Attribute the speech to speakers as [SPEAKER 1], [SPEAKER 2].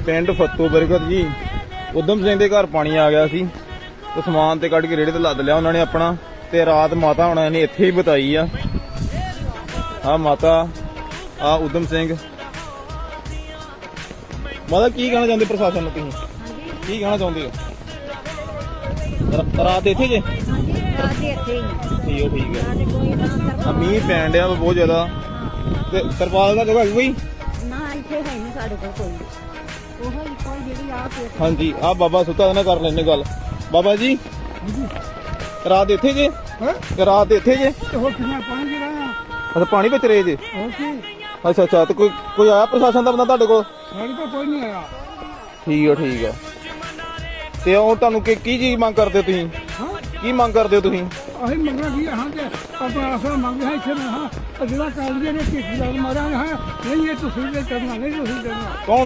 [SPEAKER 1] ਪਿੰਡ ਫੱਤੂ ਬਰਕਤ ਜੀ। ਉਦਮ ਸਿੰਘ ਦੇ ਘਰ ਪਾਣੀ ਆ ਗਿਆ ਸੀ ਤੇ ਸਮਾਨ ਤੇ ਕੱਢ ਕੇ ਰੇੜੇ ਤੇ ਲੱਦ ਲਿਆ ਉਹਨਾਂ ਨੇ ਆਪਣਾ, ਤੇ ਰਾਤ ਮਾਤਾ ਹੁਣਾਂ ਨੇ ਇੱਥੇ ਹੀ ਬਿਤਾਈ ਆ। ਆ ਮਾਤਾ, ਆ ਉਦਮ ਸਿੰਘ। ਮਾਤਾ ਕੀ ਕਹਿਣਾ ਚਾਹੁੰਦੇ ਪ੍ਰਸ਼ਾਸਨ ਨੂੰ, ਤੁਸੀਂ ਕੀ ਕਹਿਣਾ ਚਾਹੁੰਦੇ ਹੋ? ਰਾਤ ਇੱਥੇ ਜੇ? ਠੀਕ ਹੈ। ਮੀਂਹ ਪੈਣ ਡਿਆ ਬਹੁਤ ਜ਼ਿਆਦਾ ਤੇ ਤਰਪਾਲ ਦਾ ਜਗ੍ਹਾ ਹੈਗੀ ਕੋਈ
[SPEAKER 2] ਨਾ, ਇੱਥੇ ਹੈ ਨਹੀਂ ਸਾਡੇ ਕੋਲ ਕੋਈ। ਉਹ ਕੋਈ ਜਿਹੜੀ ਆ ਕੇ
[SPEAKER 1] ਹਾਂਜੀ, ਆ ਬਾਬਾ ਸੁੱਤਾ ਨਾ ਕਰ ਲੈਣੇ ਗੱਲ। ਬਾਬਾ ਜੀ ਰਾਤ ਇੱਥੇ ਜੇ? ਰਾਤ ਇੱਥੇ ਜੇ?
[SPEAKER 2] ਹੋਰ ਕਿੰਨਾ ਪਾਣੀ ਜਿਹੜਾ
[SPEAKER 1] ਅੱਛਾ, ਪਾਣੀ ਵਿੱਚ ਰਹੇ ਜੇ?
[SPEAKER 2] ਹੋਰ ਕੀ?
[SPEAKER 1] ਅੱਛਾ ਤੇ ਕੋਈ ਆਇਆ ਪ੍ਰਸ਼ਾਸਨ ਦਾ ਬੰਦਾ ਤੁਹਾਡੇ ਕੋਲ?
[SPEAKER 2] ਸਾਡੇ ਕੋਲ ਕੋਈ ਨਹੀਂ ਆਇਆ।
[SPEAKER 1] ਠੀਕ ਆ। ਤੇ ਉਹ ਤੁਹਾਨੂੰ ਕੀ ਚੀਜ਼ ਮੰਗ ਕਰਦੇ ਹੋ ਤੁਸੀਂ? ਕੀ ਮੰਗ ਕਰਦੇ ਹੋ ਤੁਸੀਂ?
[SPEAKER 2] ਅਸੀਂ ਮੰਗਣਾ ਕੀ ਹਾਂ ਕਿ ਆਪਣਾ ਆਸਰਾ ਮੰਗਦੇ ਹਾਂ ਇੱਥੇ ਨਾ। ਜਿਹੜਾ ਕਾਲਜ ਨੇ ਕੀ ਮਾਰਿਆ ਹੈ ਨਹੀਂ, ਇਹ ਤੁਸੀਂ ਕਰਨਾ ਨਹੀਂ, ਤੁਸੀਂ ਕਰਨਾ।
[SPEAKER 1] ਕੌਣ